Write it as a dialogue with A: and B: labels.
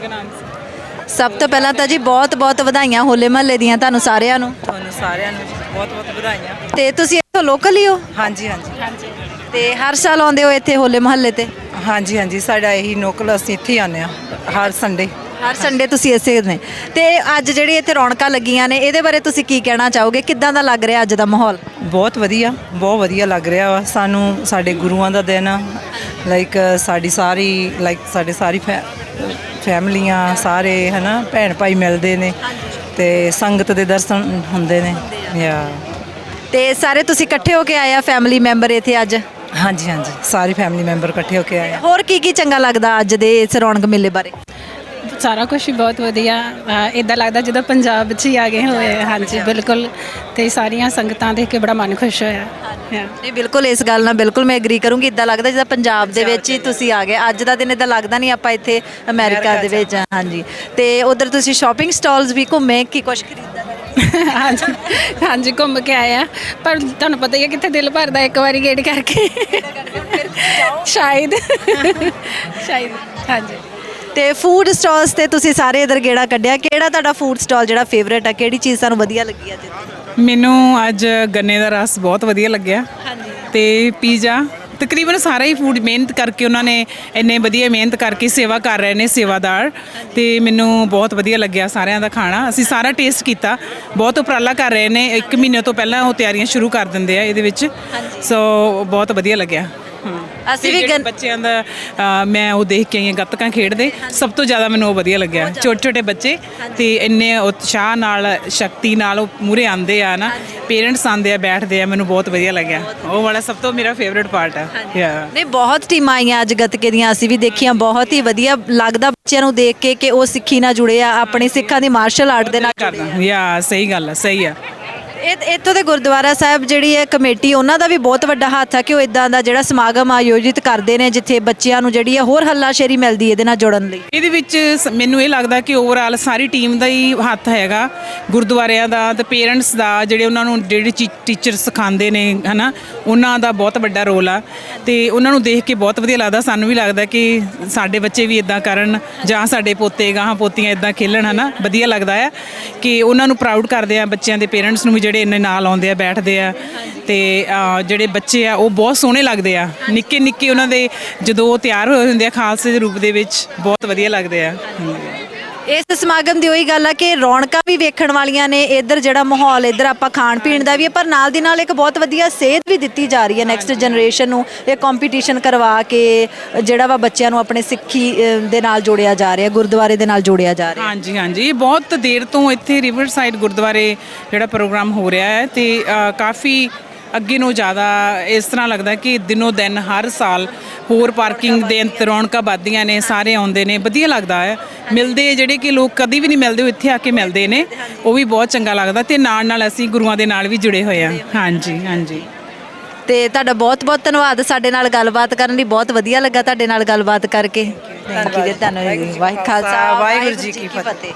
A: ਸਤਨਾਮ।
B: ਸਭ ਤੋਂ ਪਹਿਲਾਂ ਤਾਂ ਜੀ ਬਹੁਤ ਬਹੁਤ ਵਧਾਈਆਂ ਹੋਲੇ ਮਹੱਲੇ ਦੀਆਂ ਤੁਹਾਨੂੰ ਸਾਰਿਆਂ ਨੂੰ।
A: ਤੁਹਾਨੂੰ ਸਾਰਿਆਂ ਨੂੰ ਬਹੁਤ ਬਹੁਤ ਵਧਾਈਆਂ।
B: ਤੇ ਤੁਸੀਂ ਇੱਥੋਂ ਲੋਕਲ ਹੀ ਹੋ?
A: ਹਾਂਜੀ ਹਾਂਜੀ
B: ਤੇ ਹਰ ਸਾਲ ਆਉਂਦੇ ਹੋ ਇੱਥੇ ਹੋਲੇ ਮਹੱਲੇ ਤੇ?
A: ਹਾਂਜੀ ਹਾਂਜੀ, ਸਾਡਾ ਇਹੀ ਨੋਕਲ, ਅਸੀਂ ਇੱਥੇ ਹੀ ਆਉਂਦੇ ਹਾਂ ਹਰ ਸੰਡੇ।
B: ਹਰ ਸੰਡੇ ਤੁਸੀਂ ਇਸੇ ਨੇ। ਤੇ ਅੱਜ ਜਿਹੜੀ ਇੱਥੇ ਰੌਣਕਾਂ ਲੱਗੀਆਂ ਨੇ ਇਹਦੇ ਬਾਰੇ ਤੁਸੀਂ ਕੀ ਕਹਿਣਾ ਚਾਹੋਗੇ? ਕਿੱਦਾਂ ਦਾ ਲੱਗ ਰਿਹਾ ਅੱਜ ਦਾ ਮਾਹੌਲ?
A: ਬਹੁਤ ਵਧੀਆ ਲੱਗ ਰਿਹਾ ਵਾ ਸਾਨੂੰ। ਸਾਡੇ ਗੁਰੂਆਂ ਦਾ ਦਿਨ ਆ, ਸਾਡੀ ਸਾਰੀ ਫੈਮਲੀਆਂ ਸਾਰੇ ਹੈ ਨਾ, ਭੈਣ ਭਾਈ ਮਿਲਦੇ ਨੇ ਤੇ ਸੰਗਤ ਦੇ ਦਰਸ਼ਨ ਹੁੰਦੇ ਨੇ।
B: ਤੇ ਸਾਰੇ ਤੁਸੀਂ ਇਕੱਠੇ ਹੋ ਕੇ ਆਏ ਆ ਫੈਮਿਲੀ ਮੈਂਬਰ ਇੱਥੇ ਅੱਜ?
A: ਹਾਂਜੀ ਹਾਂਜੀ, ਸਾਰੇ ਫੈਮਿਲੀ ਮੈਂਬਰ ਇਕੱਠੇ ਹੋ ਕੇ ਆਏ ਆ।
B: ਹੋਰ ਕੀ ਚੰਗਾ ਲੱਗਦਾ ਅੱਜ ਦੇ ਇਸ ਰੌਣਕ ਮੇਲੇ ਬਾਰੇ?
C: ਸਾਰਾ ਕੁਝ ਹੀ ਬਹੁਤ ਵਧੀਆ। ਇੱਦਾਂ ਲੱਗਦਾ ਜਿੱਦਾਂ ਪੰਜਾਬ 'ਚ ਹੀ ਆ ਗਏ ਹੋਏ। ਹਾਂਜੀ ਬਿਲਕੁਲ। ਤੇ ਸਾਰੀਆਂ ਸੰਗਤਾਂ ਦੇਖ ਕੇ ਬੜਾ ਮਨ ਖੁਸ਼ ਹੋਇਆ।
B: ਨਹੀਂ ਬਿਲਕੁਲ, ਇਸ ਗੱਲ ਨਾਲ ਬਿਲਕੁਲ ਮੈਂ ਐਗਰੀ ਕਰੂੰਗੀ। ਇੱਦਾਂ ਲੱਗਦਾ ਜਿੱਦਾਂ ਪੰਜਾਬ ਦੇ ਵਿੱਚ ਹੀ ਤੁਸੀਂ ਆ ਗਏ। ਅੱਜ ਦਾ ਦਿਨ ਇੱਦਾਂ ਲੱਗਦਾ ਨਹੀਂ ਆਪਾਂ ਇੱਥੇ ਅਮਰੀਕਾ ਦੇ ਵਿੱਚ। ਹਾਂਜੀ। ਤੇ ਉਧਰ ਤੁਸੀਂ ਸ਼ਾਪਿੰਗ ਸਟਾਲਸ ਵੀ ਘੁੰਮੇ ਕਿ ਕੁਝ ਖਰੀਦਾ?
C: ਹਾਂਜੀ ਹਾਂਜੀ, ਘੁੰਮ ਕੇ ਆਏ ਆ। ਪਰ ਤੁਹਾਨੂੰ ਪਤਾ ਹੀ ਹੈ ਕਿੱਥੇ ਦਿਲ ਭਰਦਾ ਇੱਕ ਵਾਰੀ ਗੇੜ ਕਰਕੇ। ਸ਼ਾਇਦ ਹਾਂਜੀ।
B: ਤੇ ਫੂਡ ਸਟਾਲਸ ਤੇ ਤੁਸੀਂ ਸਾਰੇ ਇਧਰ ਗੇੜਾ ਕੱਢਿਆ, ਕਿਹੜਾ ਤੁਹਾਡਾ ਫੂਡ ਸਟਾਲ ਜਿਹੜਾ ਫੇਵਰੇਟ ਆ? ਕਿਹੜੀ ਚੀਜ਼ ਤੁਹਾਨੂੰ ਵਧੀਆ ਲੱਗੀ ਅੱਜ?
D: ਮੈਨੂੰ ਅੱਜ ਗੰਨੇ ਦਾ ਰਸ ਬਹੁਤ ਵਧੀਆ ਲੱਗਿਆ।
B: ਹਾਂਜੀ।
D: ਤੇ ਪੀਜ਼ਾ, ਤਕਰੀਬਨ ਸਾਰਾ ਹੀ ਫੂਡ ਮਿਹਨਤ ਕਰਕੇ ਉਹਨਾਂ ਨੇ ਇੰਨੇ ਵਧੀਆ ਮਿਹਨਤ ਕਰਕੇ ਸੇਵਾ ਕਰ ਰਹੇ ਨੇ ਸੇਵਾਦਾਰ। ਤੇ ਮੈਨੂੰ ਬਹੁਤ ਵਧੀਆ ਲੱਗਿਆ ਸਾਰਿਆਂ ਦਾ ਖਾਣਾ। ਅਸੀਂ ਸਾਰਾ ਟੇਸਟ ਕੀਤਾ। ਬਹੁਤ ਉਪਰਾਲਾ ਕਰ ਰਹੇ ਨੇ, 1 ਮਹੀਨੇ ਤੋਂ ਪਹਿਲਾਂ ਉਹ ਤਿਆਰੀਆਂ ਸ਼ੁਰੂ ਕਰ ਦਿੰਦੇ ਆ ਇਹਦੇ ਵਿੱਚ। ਸੋ ਬਹੁਤ ਵਧੀਆ ਲੱਗਿਆ।
B: ਅਸੀਂ ਵੀ
D: ਬੱਚਿਆਂ ਦਾ ਮੈਂ ਉਹ ਦੇਖ ਕੇ ਆਈ ਹਾਂ, ਗੱਤਕਾਂ ਖੇਡਦੇ। ਸਭ ਤੋਂ ਜ਼ਿਆਦਾ ਮੈਨੂੰ ਉਹ ਵਧੀਆ ਲੱਗਿਆ। ਛੋਟੇ ਛੋਟੇ ਬੱਚੇ ਤੇ ਇੰਨੇ ਉਤਸ਼ਾਹ ਨਾਲ, ਸ਼ਕਤੀ ਨਾਲ ਉਹ ਮੂਹਰੇ ਆਉਂਦੇ ਆ ਨਾ, ਪੇਰੈਂਟਸ ਆਉਂਦੇ ਆ, ਬੈਠਦੇ ਆ। ਮੈਨੂੰ ਬਹੁਤ ਵਧੀਆ ਲੱਗਿਆ। ਉਹ ਵਾਲਾ ਸਭ ਤੋਂ ਮੇਰਾ ਫੇਵਰੇਟ ਪਾਰਟ ਆ।
B: ਨਹੀਂ, ਬਹੁਤ ਟੀਮਾਂ ਆਈਆਂ ਅੱਜ ਗੱਤਕੇ ਦੀਆਂ, ਅਸੀਂ ਵੀ ਦੇਖੀਆਂ। ਬਹੁਤ ਹੀ ਵਧੀਆ ਲੱਗਦਾ ਬੱਚਿਆਂ ਨੂੰ ਦੇਖ ਕੇ ਕਿ ਉਹ ਸਿੱਖੀ ਨਾਲ ਜੁੜੇ ਆ, ਆਪਣੀ ਸਿੱਖਾਂ ਦੀ ਮਾਰਸ਼ਲ ਆਰਟ ਦੇ ਨਾਲ ਜੁੜੇ ਆ।
D: ਸਹੀ ਗੱਲ ਆ, ਸਹੀ ਆ।
B: ਇੱਥੋਂ ਦੇ ਗੁਰਦੁਆਰਾ ਸਾਹਿਬ ਜਿਹੜੀ ਹੈ ਕਮੇਟੀ, ਉਹਨਾਂ ਦਾ ਵੀ ਬਹੁਤ ਵੱਡਾ ਹੱਥ ਹੈ ਕਿ ਉਹ ਇਦਾਂ ਦਾ ਜਿਹੜਾ ਸਮਾਗਮ ਆਯੋਜਿਤ ਕਰਦੇ ਨੇ ਜਿੱਥੇ ਬੱਚਿਆਂ ਨੂੰ ਜਿਹੜੀ ਹੈ ਹੋਰ ਹੱਲਾਸ਼ੇਰੀ ਮਿਲਦੀ ਇਹਦੇ ਨਾਲ ਜੁੜਨ ਲਈ।
D: ਇਹਦੇ ਵਿੱਚ ਮੈਨੂੰ ਇਹ ਲੱਗਦਾ ਕਿ ਓਵਰਆਲ ਸਾਰੀ ਟੀਮ ਦਾ ਹੀ ਹੱਥ ਹੈਗਾ, ਗੁਰਦੁਆਰਿਆਂ ਦਾ ਤੇ ਪੇਰੈਂਟਸ ਦਾ, ਜਿਹੜੇ ਉਹਨਾਂ ਨੂੰ ਜਿਹੜੇ ਟੀਚਰ ਸਿਖਾਉਂਦੇ ਨੇ ਹੈ ਨਾ, ਉਹਨਾਂ ਦਾ ਬਹੁਤ ਵੱਡਾ ਰੋਲ ਆ। ਤੇ ਉਹਨਾਂ ਨੂੰ ਦੇਖ ਕੇ ਬਹੁਤ ਵਧੀਆ ਲੱਗਦਾ। ਸਾਨੂੰ ਵੀ ਲੱਗਦਾ ਕਿ ਸਾਡੇ ਬੱਚੇ ਵੀ ਇਦਾਂ ਕਰਨ, ਜਾਂ ਸਾਡੇ ਪੋਤੇ ਗਾਹਾਂ ਪੋਤੀਆਂ ਇਦਾਂ ਖੇਲਣ, ਹੈ ਨਾ। ਵਧੀਆ ਲੱਗਦਾ ਆ ਕਿ ਉਹਨਾਂ ਨੂੰ ਪ੍ਰਾਊਡ ਕਰਦੇ ਆ, ਬੱਚਿਆਂ ਦੇ ਪੇਰੈਂਟਸ ਨੂੰ ਵੀ ਜਿਹੜੇ ਇੰਨੇ ਨਾਲ ਆਉਂਦੇ ਆ, ਬੈਠਦੇ ਆ। ਤੇ ਜਿਹੜੇ ਬੱਚੇ ਆ ਉਹ ਬਹੁਤ ਸੋਹਣੇ ਲੱਗਦੇ ਆ, ਨਿੱਕੇ ਨਿੱਕੇ ਉਹਨਾਂ ਦੇ, ਜਦੋਂ ਉਹ ਤਿਆਰ ਹੋਏ ਹੁੰਦੇ ਆ ਖਾਲਸੇ ਦੇ ਰੂਪ ਦੇ ਵਿੱਚ, ਬਹੁਤ ਵਧੀਆ ਲੱਗਦੇ ਆ।
B: ਇਸ ਸਮਾਗਮ ਦੀ ਉਹੀ ਗੱਲ ਆ ਕਿ ਰੌਣਕਾਂ ਵੀ ਵੇਖਣ ਵਾਲੀਆਂ ਨੇ। ਇੱਧਰ ਜਿਹੜਾ ਮਾਹੌਲ, ਇੱਧਰ ਆਪਾਂ ਖਾਣ ਪੀਣ ਦਾ ਵੀ ਹੈ, ਪਰ ਨਾਲ ਦੀ ਨਾਲ ਇੱਕ ਬਹੁਤ ਵਧੀਆ ਸੇਧ ਵੀ ਦਿੱਤੀ ਜਾ ਰਹੀ ਹੈ ਨੈਕਸਟ ਜਨਰੇਸ਼ਨ ਨੂੰ। ਇਹ ਕੰਪੀਟੀਸ਼ਨ ਕਰਵਾ ਕੇ ਜਿਹੜਾ ਵਾ ਬੱਚਿਆਂ ਨੂੰ ਆਪਣੇ ਸਿੱਖੀ ਦੇ ਨਾਲ ਜੋੜਿਆ ਜਾ ਰਿਹਾ, ਗੁਰਦੁਆਰੇ ਦੇ ਨਾਲ ਜੋੜਿਆ ਜਾ ਰਿਹਾ।
D: ਹਾਂਜੀ ਹਾਂਜੀ, ਬਹੁਤ ਦੇਰ ਤੋਂ ਇੱਥੇ ਰਿਵਰ ਸਾਈਡ ਗੁਰਦੁਆਰੇ ਜਿਹੜਾ ਪ੍ਰੋਗਰਾਮ ਹੋ ਰਿਹਾ ਹੈ। ਤੇ ਕਾਫੀ ਅੱਗੇ ਨੂੰ ਜ਼ਿਆਦਾ ਇਸ ਤਰ੍ਹਾਂ ਲੱਗਦਾ ਕਿ ਦਿਨੋਂ ਦਿਨ ਹਰ ਸਾਲ ਹੋਰ ਪਾਰਕਿੰਗ ਦੇ ਰੌਣਕਾਂ ਵੱਧਦੀਆਂ ਨੇ, ਸਾਰੇ ਆਉਂਦੇ ਨੇ, ਵਧੀਆ ਲੱਗਦਾ ਹੈ। ਮਿਲਦੇ ਜਿਹੜੇ ਕਿ ਲੋਕ ਕਦੀ ਵੀ ਨਹੀਂ ਮਿਲਦੇ, ਉਹ ਇੱਥੇ ਆ ਕੇ ਮਿਲਦੇ ਨੇ, ਉਹ ਵੀ ਬਹੁਤ ਚੰਗਾ ਲੱਗਦਾ। ਤੇ ਨਾਲ ਨਾਲ ਅਸੀਂ ਗੁਰੂਆਂ ਦੇ ਨਾਲ ਵੀ ਜੁੜੇ ਹੋਏ ਹਾਂ। ਹਾਂਜੀ ਹਾਂਜੀ।
B: ਤੇ ਤੁਹਾਡਾ ਬਹੁਤ ਬਹੁਤ ਧੰਨਵਾਦ ਸਾਡੇ ਨਾਲ ਗੱਲਬਾਤ ਕਰਨ ਲਈ। ਬਹੁਤ ਵਧੀਆ ਲੱਗਾ ਤੁਹਾਡੇ ਨਾਲ ਗੱਲਬਾਤ ਕਰਕੇ। Thank you. ਧੰਨਵਾਦ। ਵਾਹਿਗੁਰੂ ਜੀ ਕੀ ਫਤਿਹ।